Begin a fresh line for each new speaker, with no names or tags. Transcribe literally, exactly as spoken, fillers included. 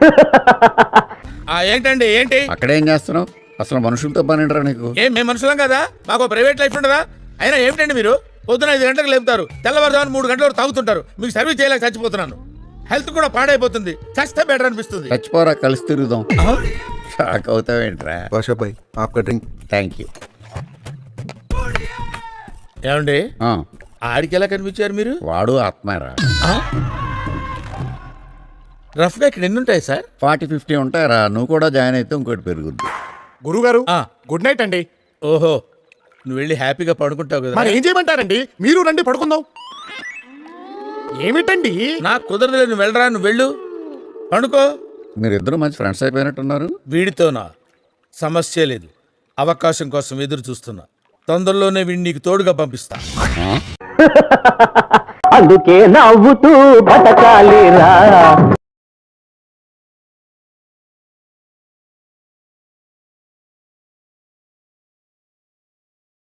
ఏంటండి ఏంటి
అక్కడేం చేస్తున్నావు? అసలు మనుషులతో పని ఏంట్రా నీకు?
ఏం మేము మనుషులం కదా, మాకు ప్రైవేట్ లైఫ్ ఉండదా? అయినా ఏమిటండి మీరు పొద్దున ఐదు గంటలకు లేపుతారు, తెల్లవారుజామున మూడు గంటల వరకు తాగుతుంటారు. మీకు సర్వీస్ చేయలేక చచ్చిపోతున్నాను. హెల్త్ కూడా పాడైపోతుంది. చస్తే బెటర్ అనిపిస్తుంది.
చచ్చిపోరా, కలిసి తిరుగుదాం. షాక్ అవుతావేంట్రా?
బాషా భాయ్ ఆప్కా డ్రింక్.
Thank you.
ఏమండి ఆడికి ఎలా కనిపించారు మీరు?
వాడు ఆత్మారా.
రఫ్ గా ఇక్కడ ఎన్ని ఉంటాయి సార్?
Forty fifty ఉంటాయరా. నువ్వు కూడా జాయిన్ అయితే ఇంకోటి పెరుగుద్ది.
గురుగారు గుడ్ నైట్ అండి.
ఓహో, నువ్వు వెళ్ళి హ్యాపీగా పడుకుంటావు కదా.
మరి ఏం చేయమంటారండి? మీరు రండి పడుకుందాం. ఏమిటండి?
నాకు కుదరదులే, నువ్వు వెళ్ళరా, నువ్వు వెళ్ళు పండుకో.
మీరిద్దరు మంచి ఫ్రెండ్స్ అయిపోయినట్టున్నారు.
వీడితోనా సమస్య లేదు, అవకాశం కోసం ఎదురు చూస్తున్నా. తొందరలోనే వీడిని నీకు తోడుగా పంపిస్తా.
అందుకే నవ్వుతూ బతకాలిరా.